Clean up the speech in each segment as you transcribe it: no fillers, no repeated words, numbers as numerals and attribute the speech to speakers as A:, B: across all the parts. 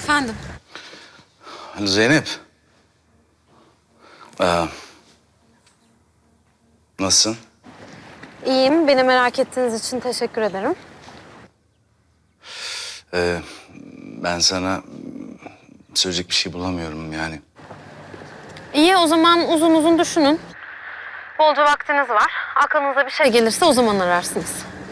A: Efendim?
B: Zeynep. Nasılsın?
A: İyiyim. Beni merak ettiğiniz için teşekkür ederim.
B: Ben sana söyleyecek bir şey bulamıyorum yani.
A: İyi, o zaman uzun uzun düşünün. Bolca vaktiniz var. Aklınıza bir şey gelirse o zaman ararsınız.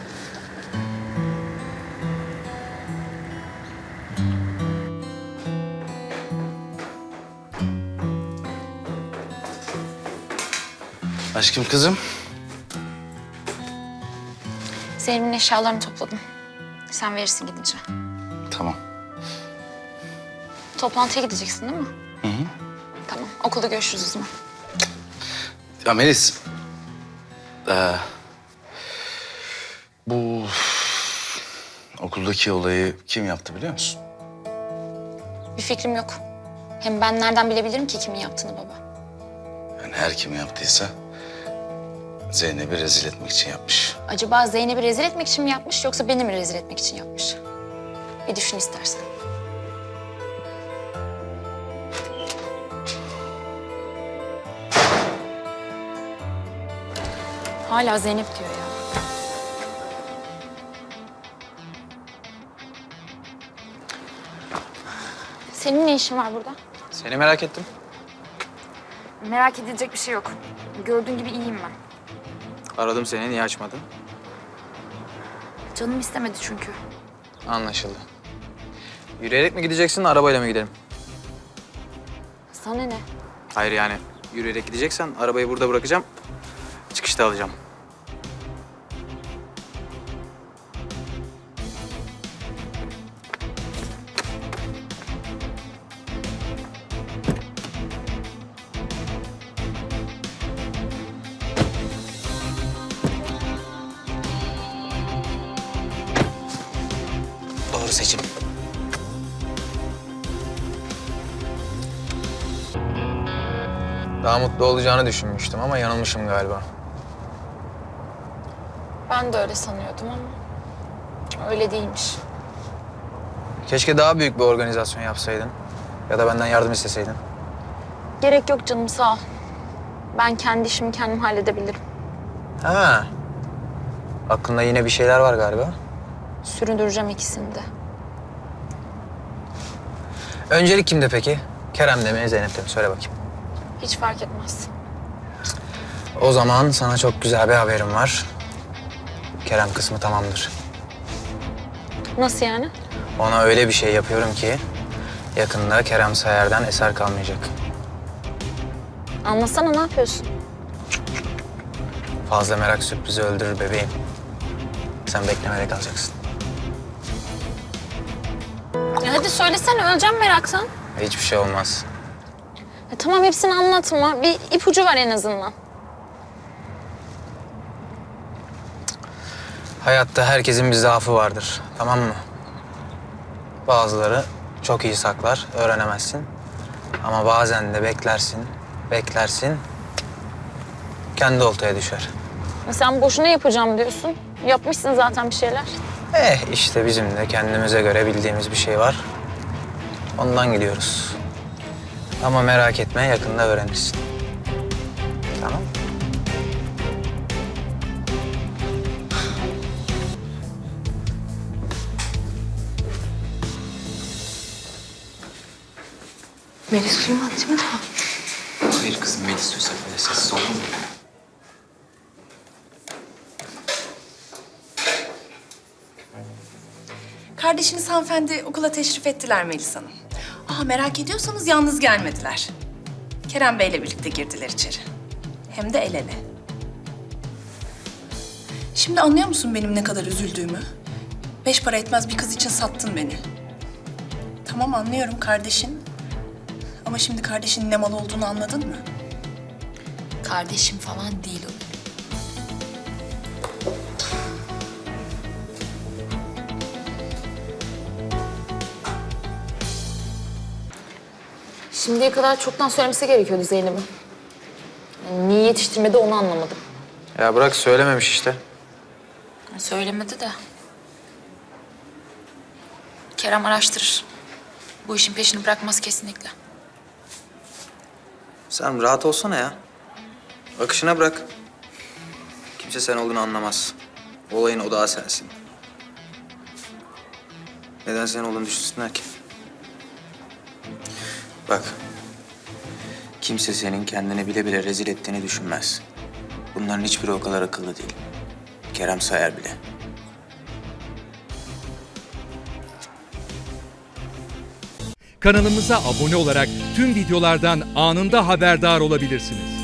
B: Aşkım kızım.
C: Zeynep'in eşyalarını topladım. Sen verirsin gidince.
B: Tamam.
C: Toplantıya gideceksin değil mi?
B: Hı hı.
C: Tamam. Okulda görüşürüz o zaman.
B: Ya Melis. Bu okuldaki olayı kim yaptı biliyor musun?
C: Bir fikrim yok. Hem ben nereden bilebilirim ki kimin yaptığını baba?
B: Yani her kim yaptıysa Zeynep'i rezil etmek için yapmış.
C: Acaba Zeynep'i rezil etmek için mi yapmış yoksa beni mi rezil etmek için yapmış? Bir düşün istersen. Hala Zeynep diyor ya. Senin ne işin var burada?
D: Seni merak ettim.
C: Merak edilecek bir şey yok. Gördüğün gibi iyiyim ben.
D: Aradım seni, niye açmadın?
C: Canım istemedi çünkü.
D: Anlaşıldı. Yürüyerek mi gideceksin, arabayla mı gidelim?
C: Sana ne?
D: Hayır yani, yürüyerek gideceksen arabayı burada bırakacağım. Çıkışta alacağım. Doğru seçim. Daha mutlu olacağını düşünmüştüm ama yanılmışım galiba.
C: Ben de öyle sanıyordum ama öyle değilmiş.
D: Keşke daha büyük bir organizasyon yapsaydın. Ya da benden yardım isteseydin.
C: Gerek yok canım, sağ ol. Ben kendi işimi kendim halledebilirim.
D: Ha. Aklında yine bir şeyler var galiba.
C: Süründüreceğim ikisini de.
D: Öncelik kimde peki? Kerem'de mi, Zeynep'te mi? Söyle bakayım.
C: Hiç fark etmez.
D: O zaman sana çok güzel bir haberim var. Kerem kısmı tamamdır.
C: Nasıl yani?
D: Ona öyle bir şey yapıyorum ki yakında Kerem Sayar'dan eser kalmayacak.
C: Anlasana, ne yapıyorsun?
D: Fazla merak sürprizi öldürür bebeğim. Sen beklemede kalacaksın.
C: Hadi söylesene, öleceğim meraktan.
D: Hiçbir şey olmaz.
C: Tamam, hepsini anlatma. Bir ipucu var en azından.
D: Hayatta herkesin bir zaafı vardır, tamam mı? Bazıları çok iyi saklar, öğrenemezsin. Ama bazen de beklersin, kendi oltaya düşer.
C: Sen boşuna yapacağım diyorsun. Yapmışsın zaten bir şeyler.
D: İşte bizim de kendimize göre bildiğimiz bir şey var. Ondan gidiyoruz. Ama merak etme, yakında öğrenirsin. Tamam.
A: Melis duymadı değil mi daha?
D: Hayır kızım, Melis duysa böyle sessiz olur mu?
E: Kardeşiniz hanımefendi okula teşrif ettiler Melis Hanım. Merak ediyorsanız yalnız gelmediler. Kerem Bey'le birlikte girdiler içeri. Hem de el ele. Şimdi anlıyor musun benim ne kadar üzüldüğümü? 5 para etmez bir kız için sattın beni. Tamam, anlıyorum kardeşin. Ama şimdi kardeşinin ne mal olduğunu anladın mı?
C: Kardeşim falan değil o. Şimdiye kadar çoktan söylemesi gerekiyordu Zeynep'in. Yani niye yetiştirmedi onu anlamadım.
D: Ya bırak, söylememiş işte.
C: Söylemedi de. Kerem araştırır. Bu işin peşini bırakmaz kesinlikle.
D: Sen rahat olsana ya. Akışına bırak. Kimse sen olduğunu anlamaz. Olayın odağı sensin. Neden sen olduğunu düşünsünler ki? Bak. Kimse senin kendini bile bile rezil ettiğini düşünmez. Bunların hiçbiri o kadar akıllı değil. Kerem Sayar bile.
F: Kanalımıza abone olarak tüm videolardan anında haberdar olabilirsiniz.